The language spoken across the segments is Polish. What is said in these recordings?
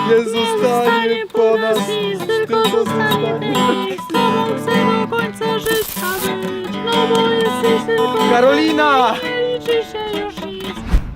Nie zostanie po nas nic, tylko zostanie nic. Z tobą chcę do końca życia być, no bo jesteś tylko Karolina! nie liczy się już nic.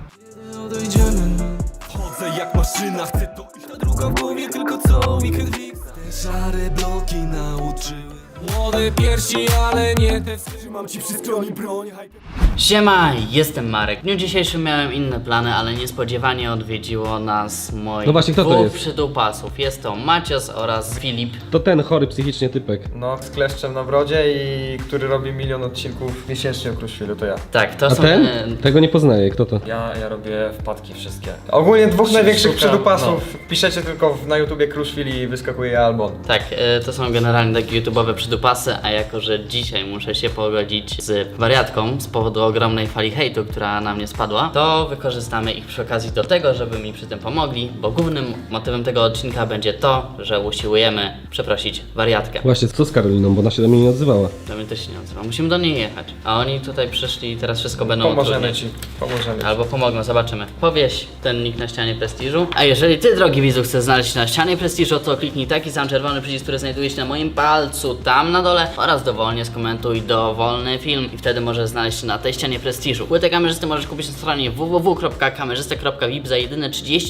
Chodzę jak maszyna, chcę to iść. Ta druga w głowie, tylko co weekend fix. Te szare bloki nauczyły. Młode piersi, ale nie te. Trzymam ci przy skroni broń. Siema, jestem Marek. W dniu dzisiejszym miałem inne plany, ale niespodziewanie odwiedziło nas moich No właśnie, kto to dwóch jest? przydupasów. Jest to Macios oraz Filip. To ten chory psychicznie typek. No, z kleszczem na brodzie i który robi 1 000 000 odcinków miesięcznie o Kruszwilu, to ja. Tak, to A są... ten? Tego nie poznaję, kto to? Ja robię wpadki wszystkie. Ogólnie dwóch największych szukam, przydupasów. Piszecie tylko na YouTubie Kruszwil i wyskakuje album. Tak, to są generalnie takie YouTube'owe przydupasy, a jako, że dzisiaj muszę się pogodzić z wariatką z powodu ogromnej fali hejtu, która na mnie spadła, to wykorzystamy ich przy okazji do tego, żeby mi przy tym pomogli, bo głównym motywem tego odcinka będzie to, że usiłujemy przeprosić wariatkę. Właśnie, co z Karoliną, bo ona się do mnie nie odzywała. To mnie też się nie odzywa. Musimy do niej jechać. A oni tutaj przyszli i teraz wszystko będą Pomożemy utrudniać. ci, pomożemy. Albo pomogą, zobaczymy. Powieś ten nick na ścianie prestiżu. A jeżeli ty, drogi widzu, chcesz znaleźć na ścianie prestiżu, to kliknij taki sam czerwony przycisk, który znajduje się na moim palcu tam na dole oraz dowolnie skomentuj dowolny film i wtedy możesz znaleźć się na tej ścianie prestiżu. Płytę kamerzysty możesz kupić na stronie www.kamerzysta.vip za jedyne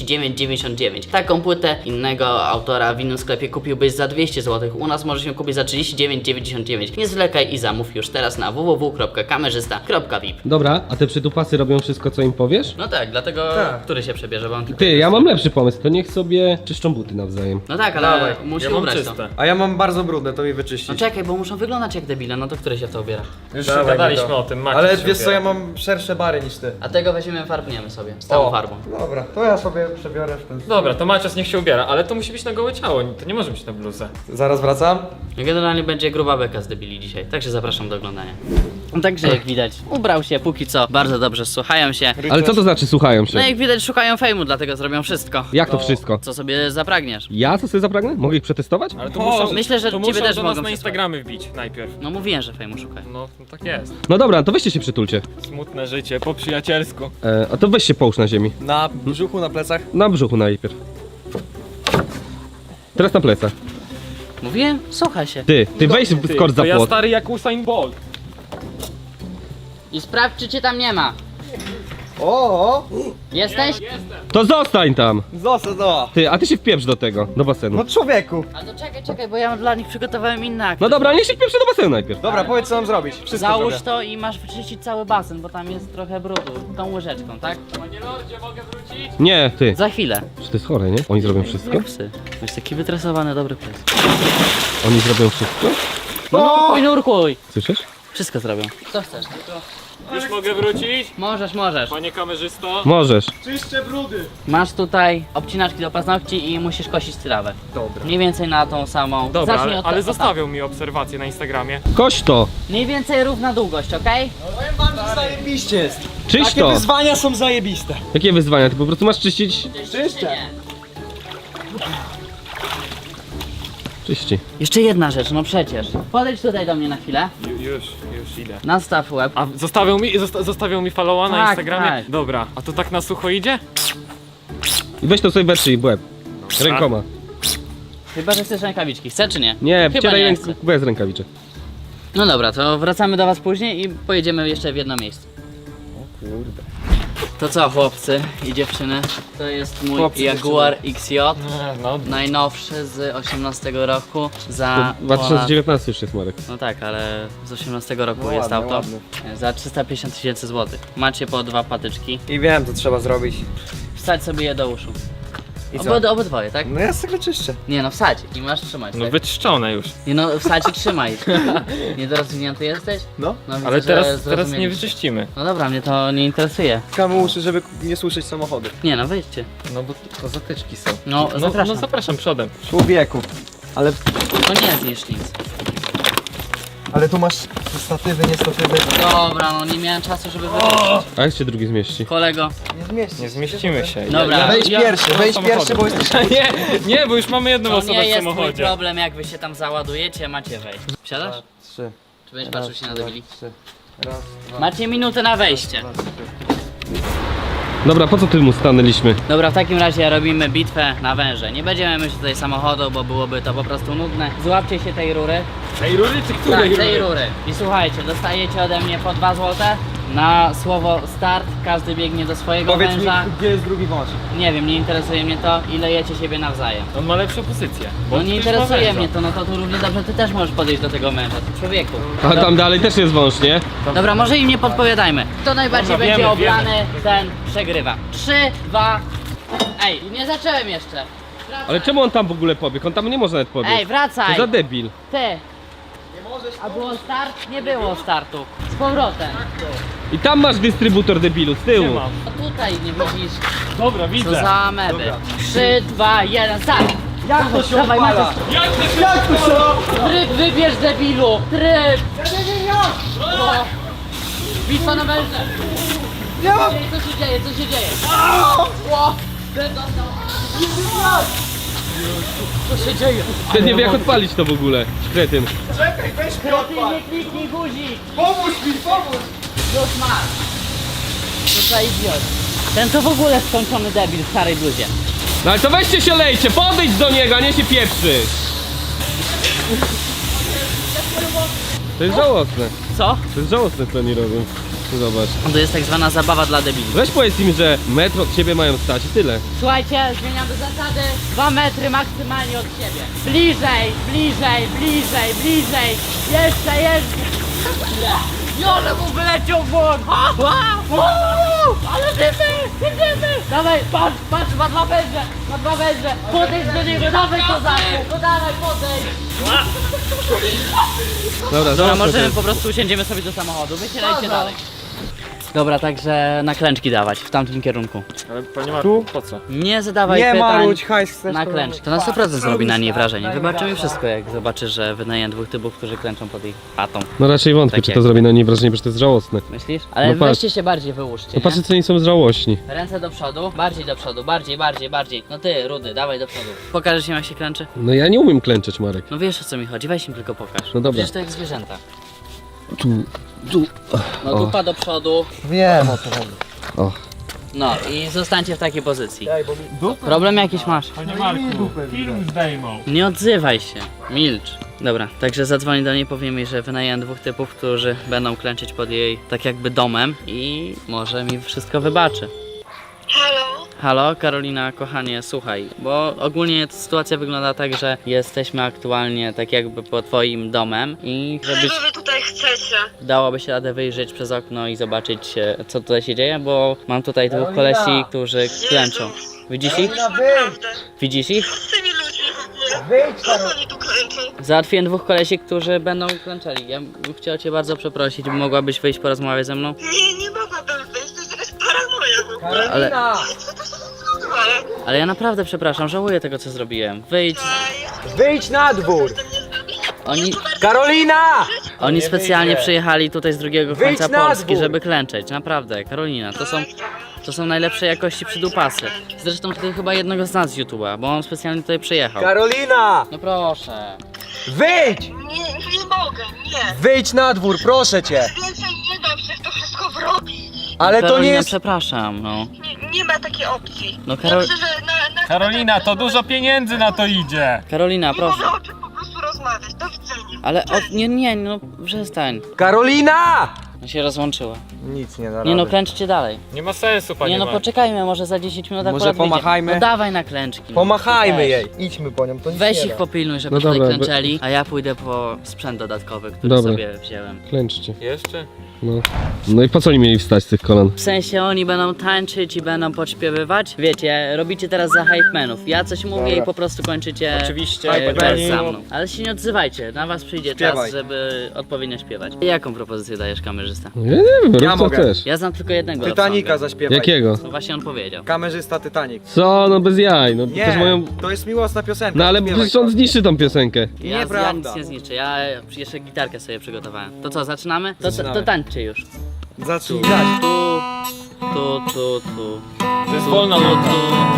39,99. Taką płytę innego autora w innym sklepie kupiłbyś za 200 zł. U nas możesz ją kupić za 39,99. Nie zwlekaj i zamów już teraz na www.kamerzysta.vip. Dobra, a te przydupasy robią wszystko, co im powiesz? No tak, dlatego Tak. który się przebierze, bo on tylko... Ty, ja mam lepszy pomysł, to niech sobie czyszczą buty nawzajem. No tak, ale Dawaj, musi Ja mam ubrać to. czyste. A ja mam bardzo brudne, to mi wyczyścić. No czekaj, bo muszą wyglądać jak debile, no to który się w to ubiera? Już Dawaj, gadaliśmy gadaliśmy o tym, Maciej Ale się wiesz co, ubiera. ja mam szersze bary niż ty. A tego weźmiemy, farbniemy sobie, z całą farbą. Dobra, to ja sobie przebiorę w ten... Dobra, to Macios niech się ubiera, ale to musi być na gołe ciało, to nie może być na bluzę. Zaraz wracam. No generalnie będzie gruba beka z debili dzisiaj, także zapraszam do oglądania. No także jak widać, ubrał się póki co, bardzo dobrze słuchają się. Ale co to znaczy słuchają się? No jak widać szukają fejmu, dlatego zrobią wszystko. Jak to wszystko? Co sobie zapragniesz. Ja co sobie zapragnę? Mogę ich przetestować? Ale to O, muszą, myślę, że to ciebie muszą też do mogą nas na przysłać. Instagramy wbić najpierw. No mówiłem, że fejmu szukają. No tak jest. No dobra, to weźcie się przytulcie. Smutne życie, po przyjacielsku. A to weź się połóż na ziemi. Na brzuchu, na plecach. Na brzuchu najpierw. Teraz na plecach. Mówiłem? Słuchaj się. Ty weź skocz za To ja płot. stary jak Usain Bolt. I sprawdź, czy cię tam nie ma. O! Jesteś? To zostań tam! Został! Ty, a ty się wpieprz do tego, do basenu. No człowieku! A to czekaj, bo ja dla nich przygotowałem inne akty. No dobra, niech się wpieprzy do basenu najpierw. Dobra, powiedz co mam zrobić. Wszystko Załóż zrobię. to i masz wyczyścić cały basen, bo tam jest trochę brudu. Tą łyżeczką, tak? Panie Lordzie, mogę wrócić? Nie, ty. Za chwilę. Czy to jest chore, nie? Oni zrobią wszystko? Jak psy. Jest taki wytresowany, dobry pies. Oni zrobią wszystko? No nurkuj! Słyszysz? Wszystko zrobią. Co chcesz? Już mogę wrócić? Możesz. Panie kamerzysto? Możesz. Czyszczę brudy! Masz tutaj obcinaczki do paznokci i musisz kosić trawę. Dobra. Mniej więcej na tą samą. Dobra, Zacznij ale od zostawią mi obserwacje na Instagramie. Kość to! Mniej więcej równa długość, okej? Powiem wam, że zajebiście jest. Czyść Takie to! wyzwania są zajebiste. Jakie wyzwania? Ty po prostu masz czyścić... Czyszczę. Czyści. Jeszcze jedna rzecz, no przecież. Podejdź tutaj do mnie na chwilę. Już idę. Nastaw łeb. A zostawią mi followa na Tak, Instagramie? tak. Dobra, a to tak na sucho idzie? I weź to sobie wetrzyj w łeb. Rękoma. Chyba, że chcesz rękawiczki. Chce czy nie? Nie, Chyba wcieraj nie chce. bez rękawiczek. No dobra, to wracamy do was później i pojedziemy jeszcze w jedno miejsce. O kurde. To co, chłopcy i dziewczyny? To jest mój Chłopcy, Jaguar XJ. No, Najnowszy z 18 roku za... 2019 już jest, Marek. No tak, ale z 18 roku No jest ładnie, auto. ładnie. Za 350 000 złotych. Macie po 2 patyczki. I wiem, co trzeba zrobić. Wsadź sobie je do uszu. I co? Obydwoje, tak? No ja sobie czyszczę. Nie no, wsadź i masz trzymać, no tak? wyczyszczone już. Nie no, wsadź i trzymaj. Niedorozwinięty jesteś? No. No, widzę, Ale że teraz nie zrozumieliście. wyczyścimy. No dobra, mnie to nie interesuje. Kamy uszy, żeby nie słyszeć samochody. Nie no, wyjdźcie. No bo to zatyczki są. No, zapraszam. No zapraszam przodem. Człowieku. Ale, To nie zniszcz nic. ale tu masz statywy, nie statywy. Dobra, no nie miałem czasu, żeby wyjść. A jak się drugi zmieści? Kolego, Nie zmieści. Nie zmieścimy się. Dobra. Wejdź pierwszy, bo jesteś... Nie, bo już mamy jedną to osobę nie w jest mój samochodzie. problem, jak wy się tam załadujecie, macie wejść. Wsiadasz? 3. Czy będziesz patrzył się na debili? 3. Raz, dwa, Macie minutę na wejście. trzy. Dobra, po co tu mu stanęliśmy? Dobra, w takim razie robimy bitwę na węże. Nie będziemy myśleć tutaj samochodu, bo byłoby to po prostu nudne. Złapcie się tej rury. Tej rury czy Tak, której tej rury. I słuchajcie, dostajecie ode mnie po 2 zł. Na słowo start każdy biegnie do swojego Powiedz mi, węża. gdzie jest drugi wąż? Nie wiem, nie interesuje mnie to i lejecie siebie nawzajem. On ma lepszą pozycję. bo No nie przecież ma interesuje węża. mnie to, no to tu równie dobrze ty też możesz podejść do tego męża, ty człowieku. A tam dalej też jest wąż, nie? Dobra, może im nie podpowiadajmy. Kto najbardziej Dobra, będzie wiemy, oblany, ten przegrywa. 3, 2... Ej, nie zacząłem jeszcze. Wracaj. Ale czemu on tam w ogóle pobiegł? On tam nie może nawet pobiec. Ej, wracaj! Co za debil. Ty! A było start? Nie było startu. Z powrotem. I tam masz dystrybutor debilu, z Nie tyłu. mam. A tutaj nie widzisz. Dobra, Co widzę. za ameby. 3, 2, 1, start! Jak to się Dawaj, odpala? Maciek. Jak to się... Tryb wybierz, debilu! Tryb! No. Bitwa na węże! Co się dzieje? Co się dzieje? Ło! Ten dostał. Co się dzieje? Ten nie wie jak odpalić to w ogóle. Kretyn. Czekaj, weź mnie Ty odpal! nie kliknij guzik! Pomóż mi, pomóż! Już masz! Co za idiot. Ten to w ogóle skończony debil w starej bluzie. No ale to weźcie się lejcie, podejdź do niego, a nie się pieprzy. To jest żałosne. Co? To jest żałosne, co oni robią. Zobacz. To jest tak zwana zabawa dla debili. Weź powiedz im, że metr od ciebie mają stać i tyle. Słuchajcie, zmieniamy zasady. 2 metry maksymalnie od siebie. Bliżej, bliżej, bliżej, bliżej. Jeszcze. Jole mu wyleciał błąd. Ale dymy. Dawaj, patrz, ma 2 węże. Ma 2 węże. Podejdź do niego, dawaj kozaku. No dawaj, podejdź. Dobra, Dobra, żałosne to możemy jest. po prostu usiądziemy sobie do samochodu. Wysiadajcie dalej. Dobra, także na klęczki dawać w tamtym kierunku. Ale panie Marku, po co? Nie zadawaj Nie pytań. marudź, hajs chcesz Na to klęcz. To na 100% zrobi na niej wrażenie. Wybaczy mi wszystko, jak zobaczy, że wynajęłem 2 typów, którzy klęczą pod jej chatą. No raczej wątpię, Tak czy jak- to zrobi na niej wrażenie, bo to jest żałosne. Myślisz? Ale No patrz. weźcie się bardziej wyłóżcie, No patrzcie, nie? co oni są żałośni. Ręce do przodu, bardziej do przodu, bardziej. No ty, Rudy, dawaj do przodu. Pokażesz im, jak się klęczy? No ja nie umiem klęczeć, Marek. No wiesz, o co mi chodzi, weź im tylko pokaż. No dobra. Przecież to jak zwierzęta. Tu. No O. dupa do przodu. Wiem o co chodzi. O. No i zostańcie w takiej pozycji. Problem jakiś masz? Panie Marku, film zdejmą. Nie odzywaj się, milcz. Dobra, także zadzwonię do niej, powiem jej, że wynajęłem 2 typów, którzy będą klęczyć pod jej tak jakby domem i może mi wszystko wybaczy. Halo? Halo, Karolina, kochanie, słuchaj, bo ogólnie sytuacja wygląda tak, że jesteśmy aktualnie tak jakby pod twoim domem i żebyś Czego wy tutaj chcecie? dałoby się radę wyjrzeć przez okno i zobaczyć co tutaj się dzieje, bo mam tutaj 2 kolesi, którzy klęczą. Widzisz ich? Naprawdę. Widzisz ich? Z tymi ludźmi w ogóle. Wyjdź, Po co oni tu kręczą? Załatwiłem 2 kolesi, którzy będą klęczeli. Ja bym chciał cię bardzo przeprosić, mogłabyś wyjść porozmawiać ze mną? Nie mogłabym wyjść, to jest jakaś paranoja w ogóle. Ale, Co to się odwala? ale ja naprawdę przepraszam, żałuję tego co zrobiłem. Wyjdź. Wyjdź na dwór! Oni, Karolina! oni specjalnie przyjechali tutaj z drugiego Wyjdź końca na Polski, dwór! żeby klęczeć. Naprawdę, Karolina, to są najlepszej jakości przydupasy. Zresztą ty chyba jednego z nas z YouTube'a, bo on specjalnie tutaj przyjechał. Karolina! No proszę. Wyjdź! Nie mogę, nie. Wyjdź na dwór, proszę cię! Więcej nie dam się w to wszystko wrobić. Ale to Karolina, nie jest... przepraszam, no. Nie ma takiej opcji. No, Ja myślę, że na Karolina, to dużo pieniędzy na to idzie. Karolina, Nie proszę. mogę o czym po prostu rozmawiać. Do widzenia. Ale nie, no przestań. Karolina! No się rozłączyła. Nic nie da Nie no, rady. klęczcie dalej. Nie ma sensu, panie Nie no, Marku. poczekajmy, może za 10 minut Może akurat wyjdzie. pomachajmy? No dawaj na klęczki. No. Pomachajmy Weź. jej. Idźmy po nią, to nic Weź nie ich da. popilnuj, żeby No tutaj dobra, klęczeli, a ja pójdę po sprzęt dodatkowy, który Dobra. sobie wziąłem. Klęczcie. Jeszcze? No. No i po co oni mieli wstać z tych kolan? W sensie oni będą tańczyć i będą podśpiewywać. Wiecie, robicie teraz za hypemenów. Ja coś mówię Dobra. i po prostu kończycie Oczywiście. wers Hypemeni. za mną. Ale się nie odzywajcie, na was przyjdzie Śpiewaj. czas, żeby odpowiednio śpiewać. Jaką propozycję dajesz, kamerzysta? No ja nie wiem, rób co mogę. chcesz. Ja znam tylko jednego Titanica love songa. zaśpiewaj. Jakiego? No właśnie on powiedział. Kamerzysta Titanic. Co? No bez jaj, no to Nie, też moją... to jest miłosna piosenka. No ale śpiewaj przecież on to. zniszczy tą piosenkę. Ja Nieprawda. nic nie zniszczę, ja jeszcze gitarkę sobie przygotowałem. To co, zaczynamy? Zaczynamy. To tańczcie już. Zacznij grać. Tu. To jest wolna nota.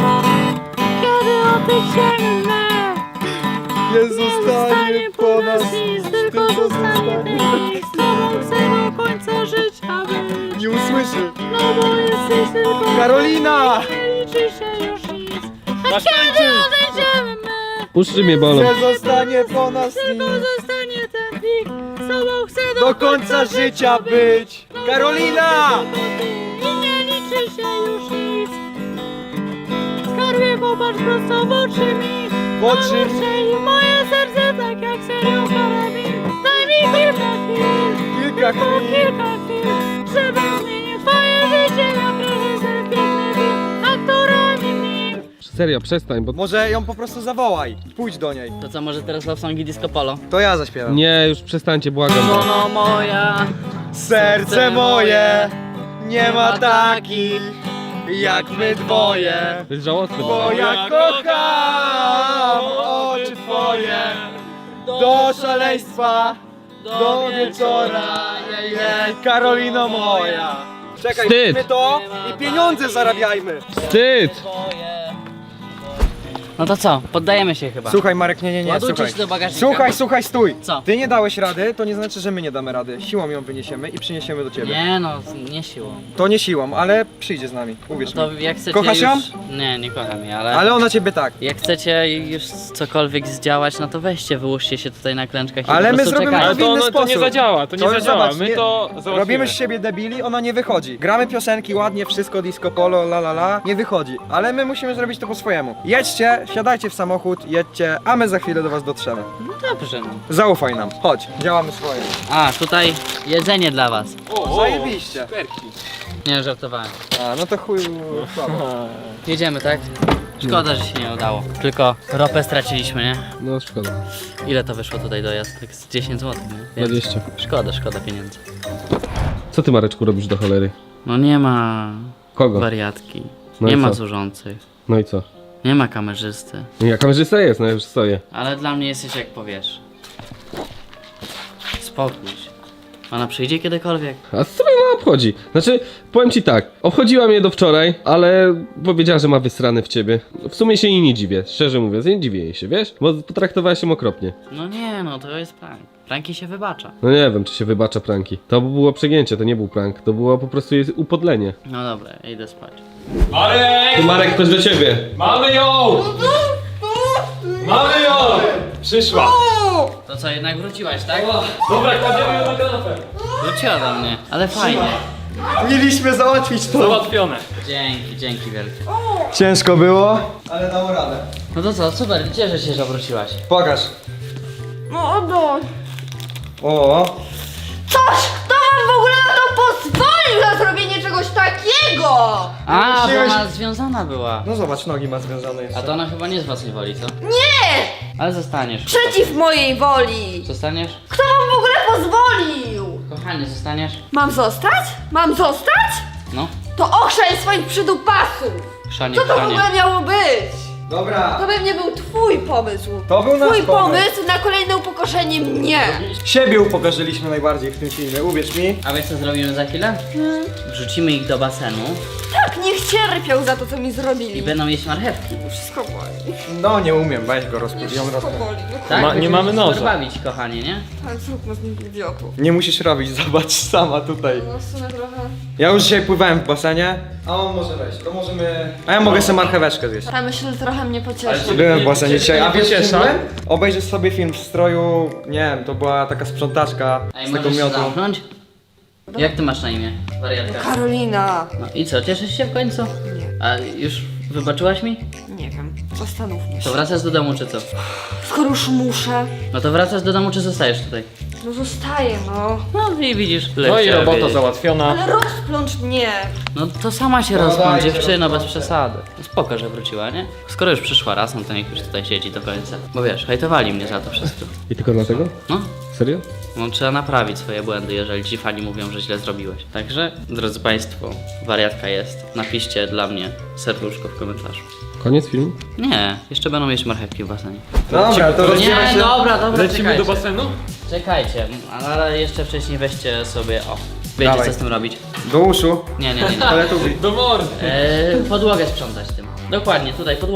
Kiedy oddech sięgnę, Nie zostanie po nas nic, tylko zostanie tych. Z tobą chcę do końca żyć. życia być. Nie usłyszy. No bo jesteś tylko... Karolina! Nie liczy się już nic. A Masz kiedy tańczyć. odejdziemy my? Uszy mnie bolą. Że zostanie po nas Tylko nim. zostanie ten plik. Z tobą chcę Do końca życia być. Karolina! I nie liczy się już nic. Skarbie, popatrz prosto w oczy mi. W oczy mi. Strzeli moje serce tak jak serio karabin. Daj mi kilka chwil. Kilka Tylko chwil. kilka chwil. Żeby zmienić twoje życie na prezent piękny film. Aktorami w nim. Serio, przestań, bo... Może ją po prostu zawołaj. Pójdź do niej. To co, może teraz love songi disco polo? To ja zaśpiewam. Nie, już przestańcie, błagam. Żono moja, Serce moje nie ma takich jak my dwoje. To jest żałosne. Bo ja kocham oczy twoje do szaleństwa, do wieczora. Karolino moja. Czekaj, Wstyd. róbmy to i pieniądze zarabiajmy. Wstyd! No to co, poddajemy się chyba. Słuchaj Marek, nie, Ładujcie słuchaj. się do bagażnika. Słuchaj, stój. Co? Ty nie dałeś rady, to nie znaczy, że my nie damy rady. Siłą ją wyniesiemy i przyniesiemy do ciebie. Nie no, nie siłą. To nie siłą, ale przyjdzie z nami, uwierz To mi. jak chcecie Kochasz ją? już... Nie, nie kocham jej, ale... Ale ona ciebie tak. Jak chcecie już cokolwiek zdziałać, no to weźcie, wyłóżcie się tutaj na klęczkach i Ale po my prostu zrobimy czekajcie. Ale w inny to nie sposób. zadziała, to nie To zadziała. zobacz, My nie- to załatwimy. Robimy z siebie debili, ona nie wychodzi. Gramy piosenki ładnie, wszystko disco polo, la la la, nie wychodzi. Ale my musimy zrobić to po swojemu. Jedźcie, siadajcie w samochód, jedźcie, a my za chwilę do was dotrzemy. No dobrze, no. Zaufaj nam, chodź, działamy swoje. A, tutaj jedzenie dla was. Zajebiście. Nie, żartowałem. A, no to chuj, słabo. Jedziemy, tak? Szkoda, że się nie udało. Tylko ropę straciliśmy, nie? No szkoda. Ile to wyszło tutaj dojazd? Tak z 10 zł, nie? Więc 20. Szkoda pieniędzy. Co ty, Mareczku, robisz do cholery? No nie ma Kogo? wariatki, No i nie ma co? służących, No i co? nie ma kamerzysty. Ja kamerzysta jest, no ja już stoję. Ale dla mnie jesteś jak powiesz. Spokój się. Ona przyjdzie kiedykolwiek? A co mnie ona obchodzi? Znaczy, powiem ci tak, obchodziła mnie do wczoraj, ale powiedziała, że ma wysrane w ciebie. W sumie się jej nie dziwię, szczerze mówiąc, nie dziwię jej się, wiesz? Bo potraktowałaś ją okropnie. No nie, no to jest prank. Pranki się wybacza. No nie wiem, czy się wybacza pranki. To było przegięcie, to nie był prank, to było po prostu jej upodlenie. No dobra, idę spać. Marek! Marek, ktoś do ciebie. Mamy ją! Mamy ją! Przyszła. To co, jednak wróciłaś, tak? Dobra, kładziemy ją na kanapę. Wróciła do mnie, ale fajnie. Mieliśmy załatwić to. Załatwione. Dzięki wielkie. Ciężko było, ale dało radę. No to co, super, cieszę się, że wróciłaś. Pokaż. No no. O, Kto wam w ogóle na to pozwolił na zrobienie czegoś takiego? A, bo musiałeś- ona związana była. no zobacz, nogi ma związane jeszcze. A to ona chyba nie z własnej woli, co? Nie! Ale zostaniesz. Przeciw mojej woli! Zostaniesz? Kto wam w ogóle pozwolił? Kochanie, zostaniesz? Mam zostać? Mam zostać? No, To ochrzeń swoich przydupasów! chrzanie, Co to w kochanie. ogóle miało być? Dobra, To pewnie był twój pomysł. to był nasz Twój pomysł. pomysł na kolejne upokorzenie mnie. Siebie upokorzyliśmy najbardziej w tym filmie, uwierz mi. A wiesz co zrobimy za chwilę? Wrzucimy ich do basenu Tak, niech cierpiał za to, co mi i zrobili. będą jeść marchewki. Wszystko boli. No nie umiem, weź go rozpuść, ją Wszystko rozpuść. boli. No, Tak? nie Będziemy mamy się noża. super bawić, kochanie, nie? tak, zróbmy z nim idiotów. Nie musisz robić, zobacz sama tutaj. No w sumie trochę... Ja już dzisiaj pływałem w basenie, a on może wejść, to możemy... A ja mogę sobie marcheweczkę zjeść. Ta myśl trochę mnie pocieszy. Byłem w basenie dzisiaj, a wiesz czym pociesza? byłem? Obejrzysz sobie film w stroju, nie wiem, to była taka sprzątaczka Ej, z tego możesz się miodu. zamknąć? Jak ty masz na imię, wariatka? Karolina. No i co, cieszysz się w końcu? Nie. A już wybaczyłaś mi? Nie wiem, zastanówmy To się. wracasz do domu czy co? Skoro już muszę, No to wracasz do domu czy zostajesz tutaj? no zostaję, no. No i widzisz. No i chciała robota wiedzieć. załatwiona. Ale rozplącz mnie. No to sama się No rozplącz, dajcie, dziewczyno, bez rozplączcie. przesady. No spoko, że wróciła, nie? Skoro już przyszła raz, no to niech już tutaj siedzi do końca. Bo wiesz, hejtowali mnie za to wszystko. I tylko dlatego? No, Serio? no trzeba naprawić swoje błędy, jeżeli ci fani mówią, że źle zrobiłeś. Także, drodzy państwo, wariatka jest. Napiszcie dla mnie serduszko w komentarzu. Koniec filmu? Nie, jeszcze będą jeść marchewki w basenie. Dobra, to rozdzielmy Nie, się. dobra, Lecimy czekajcie. do basenu? Czekajcie, ale jeszcze wcześniej weźcie sobie, o, wiecie Dawaj. co z tym robić. Do uszu, Nie. ale tu Do mordy. Podłogę sprzątać tym. Dokładnie, tutaj podłogę.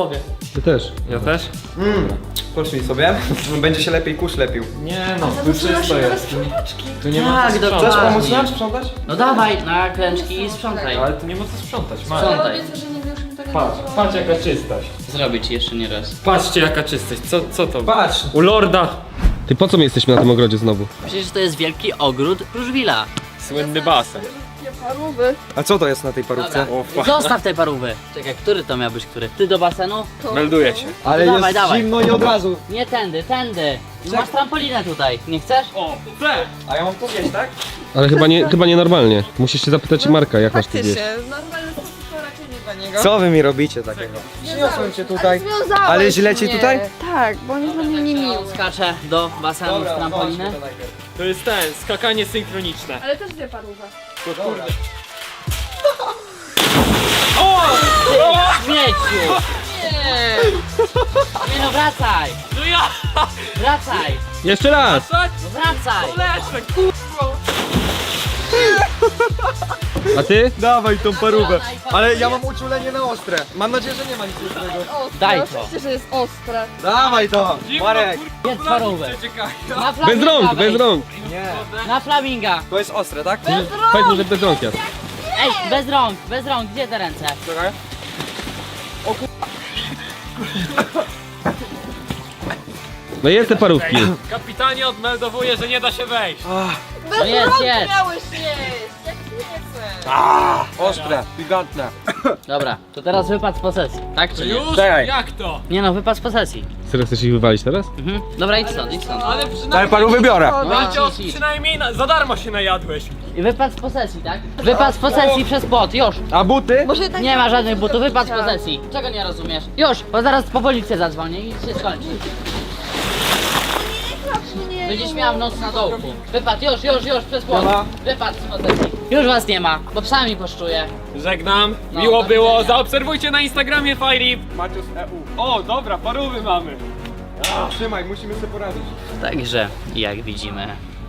Ty też. Ja też? Poszli sobie. Będzie się lepiej kurz lepił. Nie no, tu czysto jest. Tu nie ma Tak, co dokładnie. Chcesz sprzątać. pomóc nam sprzątać? No dawaj na klęczki i sprzątaj. Ale tu nie ma co sprzątać, Maja. Sprzątaj. Patrz jaka czystość. Zrobię ci jeszcze nie raz. Patrzcie jaka czystość, co to? Patrz! U lorda. Ty po co my jesteśmy na tym ogrodzie znowu? Przecież to jest wielki ogród Kruszwila. Słynny basen. A co to jest na tej parówce? Zostaw te parówy. Czekaj, który to miał być, który? Ty do basenu? Melduję się. Ale Dawaj, jest dawaj. zimno i od razu. Nie tędy, tędy. Masz trampolinę tutaj. Nie chcesz? O, chcę! A ja mam tu wieść, tak? Ale chyba nienormalnie. Musisz się zapytać Marka, jak masz tu wieść. Normalny sposób to raczej nie dla niego. Co wy mi robicie takiego? Przyniosłem cię tutaj. Ale źle ci tutaj? Tak, bo on jest dla mnie niemiły. Skaczę do basenu z trampoliny. zobaczmy to najpierw. To jest skakanie synchroniczne. Ale też dwie parówki. Dobra. Śmieciu! Nie no, wracaj! No ja! Wracaj! Jeszcze raz! No wracaj! Lecę, A ty? Dawaj tą parówę. Ale ja mam uczulenie na ostre. Mam nadzieję, że nie ma nic ostrego. Daj to! Oczywiście, że jest ostre. Dawaj to! Marek! Jedz parówę! Na Bez flaminga rąk, wejdź. bez rąk! Nie. Na flaminga! To jest ostre, tak? Powiedz mu, że bez rąk jest. Ej, bez rąk, gdzie te ręce? Czekaj. No jest te parówki. Kapitanie odmeldowuje, że nie da się wejść. No jedz, jedz! Miałeś jeść, jak nie chcę. Ostre, gigantne. Dobra, to teraz wypad z posesji, tak czy nie? Już? Czekaj. Jak to? Nie no, wypad z posesji. Serio chcesz ich wywalić teraz? Mhm. Dobra, idź stąd, idź stąd. Ale Ale przynajmniej, parówy biorę. Idź, idź. przynajmniej za darmo się najadłeś. I wypad z posesji, tak? Wypad z posesji przez płot, już! A buty? Może tak Nie ma żadnych butów, wypad z posesji. Czego nie rozumiesz? Już, bo zaraz po policję zadzwonię i się skończy. Będziesz miała w noc na dołku. Wypad, już, przez płot. Dobra. Wypad z posesji. Już was nie ma, bo psami poszczuję. Żegnam, No, miło do było, widzenia. zaobserwujcie na Instagramie Firelip. Macius EU. O, dobra, parówy mamy. Trzymaj, musimy sobie poradzić. Także, jak widzimy,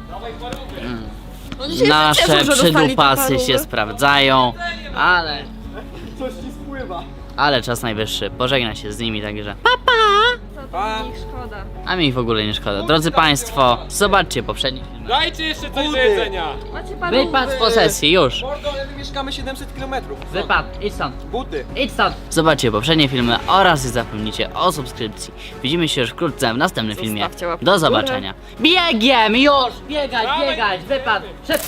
No dzisiaj nasze wszyscy cieszą, że dostali te przydupasy parówy. się sprawdzają, ale... Coś ci spływa. Ale czas najwyższy, pożegna się z nimi, także... Pa. Ich szkoda. A mi ich w ogóle nie szkoda. Drodzy Państwo, zobaczcie poprzedni film. Dajcie jeszcze coś do Buty. jedzenia. Macie parówy. Wypad z posesji, już! Mordo, ale my mieszkamy 700 km. Wypad, idź stąd! Buty. Idź stąd! Zobaczcie poprzednie filmy oraz nie zapomnijcie o subskrypcji. Widzimy się już wkrótce w następnym filmie. Zostawcie łapkę Do w górę. zobaczenia. Biegiem! Już! Biegać! Wypad! Szybko!